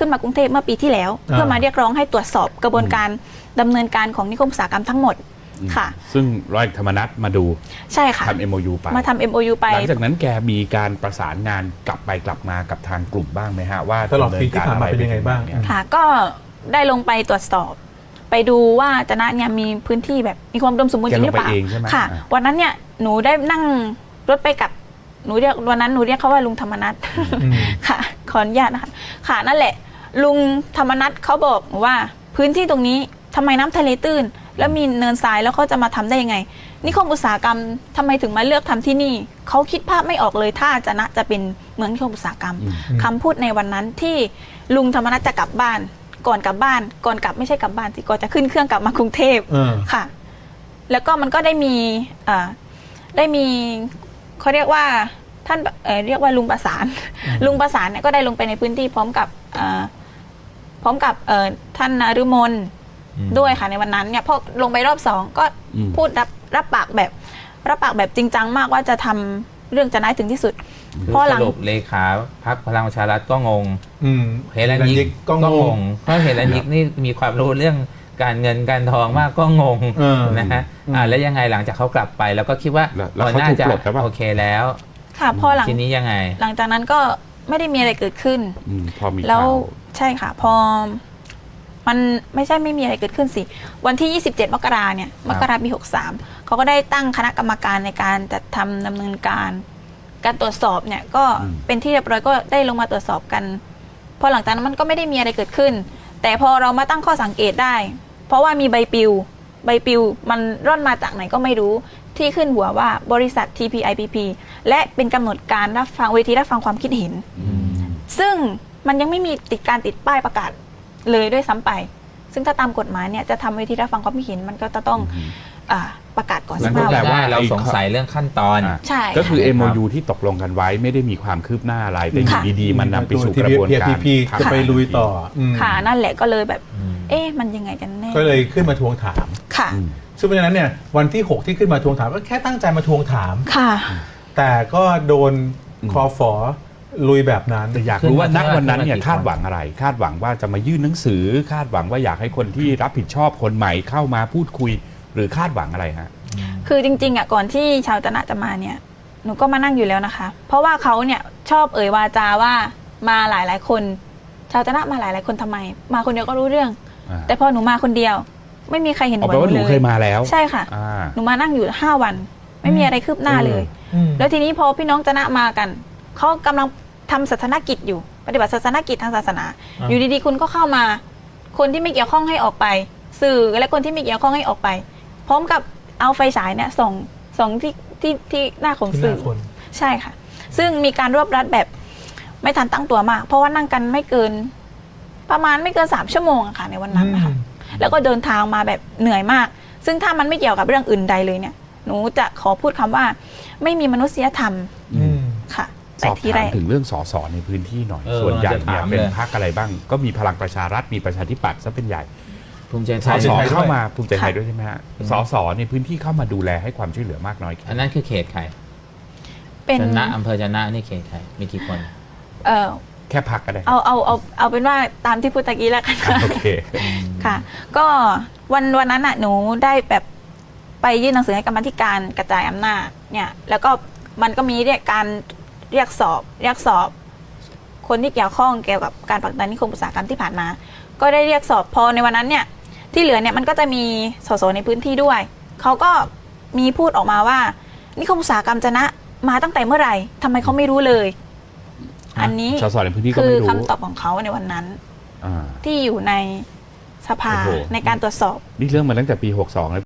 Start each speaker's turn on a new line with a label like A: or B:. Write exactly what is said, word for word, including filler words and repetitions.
A: ขึ้นมากรุงเทพเมื่อปีที่แล้ว เพื่อมาเรียกร้องให้ตรวจสอบกระบวนการดำเนินการของนิคมอุตสาหกรรมทั้งหมดค่ะ
B: ซึ่งร้อยธรรมนัสมาดู
A: ใช่ค่ะ
B: ทำ เอ็ม โอ ยู ไป
A: มาทำ เอ็ม โอ ยู ไป
B: หลังจากนั้นแกมีการประสานงานกลับไปกลับมากับทางกลุ่มบ้างไหมฮะว่า
C: ตลอดปีที่ผ่านมาเป็นยังไงบ้าง
A: ค่ะก็ได้ลงไปตรวจสอบไปดูว่าจะนะเนี่ยมีพื้นที่แบบมีความอุดมสมบูรณ์จริงหรือเปล่าค่ะวันนั้นเนี่ยหนูได้นั่งรถไปกับหนูเรียกวันนั้นหนูเรียกเขาว่าลุงธรรมนัสค่ะขออนุญาตนะคะค่ะนั่นแหละลุงธรรมนัสเขาบอกว่าพื้นที่ตรงนี้ทำไมน้ำทะเลตื้นแล้วมีเนินทรายแล้วเขาจะมาทำได้ยังไงนิคมอุตสาหกรรมทำไมถึงมาเลือกทำที่นี่เขาคิดภาพไม่ออกเลยถ้าจะนะจะเป็นเหมือนนิคมอุตสาหกรรมคำพูดในวันนั้นที่ลุงธรรมนัสจะกลับบ้านก่อนกลับบ้านก่อนกลับไม่ใช่กลับบ้านสิก่อนจะขึ้นเครื่องกลับมากรุงเทพค่ะแล้วก็มันก็ได้มีได้มีเขาเรียกว่าท่านเเรียกว่าลุงประสานลุงประสานเนี่ยก็ได้ลงไปในพื้นที่พร้อมกับพร้อมกับท่านนฤมลด้วยค่ะในวันนั้นเนี่ยพอลงไปรอบสองก็พูดรับรับปากแบบรับปากแบบจริงจังมากว่าจะทำเรื่องจะน้ายถึงที่สุด
D: พอหลังสรุปเลขาพรรคพลังประชารัฐก็งงเฮเลนยิกก็งงเพราะเฮเลนยิกนี่มีความรู้เรื่องการเงินการทองมากก็งงนะฮะอ่าแล้วยังไงหลังจากเขากลับไปแล้วก็คิดว่าน่าจะโอเคแล้ว
A: ค่ะพอหลัง
D: ทีนี้ยังไง
A: หลังจากนั้นก็ไม่ได้มีอะไรเกิดขึ้น
B: พอมี
A: แล้วใช่ค่ะพอมันไม่ใช่ไม่มีอะไรเกิดขึ้นสิวันที่ยี่สิบเจ็ดมกราเนี่ยมกราปีหกสามเขาก็ได้ตั้งคณะกรรมการในการจัดทำดำเนินการการตรวจสอบเนี่ยก็เป็นที่เรียบร้อยก็ได้ลงมาตรวจสอบกันพอหลังจากนั้นมันก็ไม่ได้มีอะไรเกิดขึ้นแต่พอเรามาตั้งข้อสังเกตได้เพราะว่ามีใบปลิวใบปลิวมันร่อนมาจากไหนก็ไม่รู้ที่ขึ้นหัวว่าบริษัท ที พี ไอ พี พี และเป็นกำหนดการรับฟังเวทีรับฟังความคิดเห็นซึ่งมันยังไม่มีติดการติดป้ายประกาศเลยด้วยซ้ำไปซึ่งถ้าตามกฎหมายเนี่ยจะทำเวทีรับฟังความคิดเห็นมันก็จะต้องประกาศก่อน
D: สักแต่ว่าเราสงสัยเรื่องขั้นตอน
A: ใช่
B: ก็คือ เอ็ม โอ ยู ที่ตกลงกันไว้ไม่ได้มีความคืบหน้าอะไรแต่อยู่ดีๆมันนำไปสู่กระบวนการ
C: จะไปลุยต่อ
A: ค่ะนั่นแหละก็เลยแบบเอ๊ะมันยังไงกันแน่
C: ก็เลยขึ้นมาทวงถาม
A: ค่ะ
C: ซึ่งเพราะฉะนั้นเนี่ยวันที่หกที่ขึ้นมาทวงถามก็แค่ตั้งใจมาทวงถาม
A: ค่ะ
C: แต่ก็โดนคอฝอลุยแบบนั้น
B: แต่อยากรู้ว่าณวันนั้นเนี่ยคาดหวังอะไรคาดหวังว่าจะมายื่นหนังสือคาดหวังว่าอยากให้คนที่รับผิดชอบคนใหม่เข้ามาพูดคุยหรือคาดหวังอะไรฮะ
A: คือจริงๆอ่ะก่อนที่ชาวตนะจะมาเนี่ยหนูก็มานั่งอยู่แล้วนะคะเพราะว่าเขาเนี่ยชอบเอ่ยวาจาว่ามาหลายๆคนชาวตนะมาหลายๆคนทำไมมาคนเดียวก็รู้เรื่องแต่พอหนูมาคนเดียวไม่มีใครเห็น
B: หัวหนูเลยหนูเคยมาแล้ว
A: ใช่ค่ะหนูมานั่งอยู่ห้าวันไม่มีอะไรคืบหน้าเลยแล้วทีนี้พอพี่น้องตนะมากันเขากำลังทำศาสนกิจอยู่ปฏิบัติศาสนกิจทางศาสนาอยู่ดีๆคุณก็เข้ามาคนที่ไม่เกี่ยวข้องให้ออกไปสื่อและคนที่ไม่เกี่ยวข้องให้ออกไปพร้อมกับเอาไฟฉายเนี่ยส่องส่องที่ที่ที่หน้าของสื่อใช่ค่ะซึ่งมีการรวบรัดแบบไม่ทันตั้งตัวมากเพราะว่านั่งกันไม่เกินประมาณไม่เกินสามชั่วโมงอะค่ะในวันนั้นนะคะแล้วก็เดินทางมาแบบเหนื่อยมากซึ่งถ้ามันไม่เกี่ยวกับเรื่องอื่นใดเลยเนี่ยหนูจะขอพูดคำว่าไม่มีมนุษยธรรมค่ะ
B: สอบถามถึงเรื่องสสในพื้นที่หน่อยส่วนใหญ่เนี่ยเป็นพรรคอะไรบ้างก็มีพลังประชารัฐมีประชาธิปัตย์ซะเป็นใหญ่
D: ภูมิใจไท
B: ยสสเข้ามาภูมิใจไทยด้วยใช่ไหมฮะสสในพื้นที่เข้ามาดูแลให้ความช่วยเหลือมากน้อย
D: อันนั้นคือเขตใคร
A: เป็น
D: ชนะอำเภอชนะนี่เขตใครมีกี่คน
A: เออ
B: แค่พักก็ได้
A: เอาเอาเอาเอาเป็นว่าตามที่พูดตะกี้แล้วกัน
B: โอเค
A: ค่ะก็วันวันนั้นน่ะหนูได้แบบไปยื่นหนังสือให้กรรมธิการกระจายอำนาจเนี่ยแล้วก็มันก็มีเรียกการเรียกสอบเรียกสอบคนที่เกี่ยวข้องเกี่ยวกับการผลักดันนิคมอุตสาหกรรมที่ผ่านมาก็ได้เรียกสอบพอในวันนั้นเนี่ยที่เหลือเนี่ยมันก็จะมีสสในพื้นที่ด้วยเขาก็มีพูดออกมาว่านิคมอุตสาหกรรมจะนะมาตั้งแต่เมื่อไหร่ทำไมเขาไม่รู้เลยอันนี้
B: สสในพื้นที่ก็
A: ไม่
B: รู้
A: คือคำตอบของเขาในวันนั้นที่อยู่ในสภาในการตรวจสอบ
B: นี่เรื่องมาตั้งแต่ปีหกสองแล้ว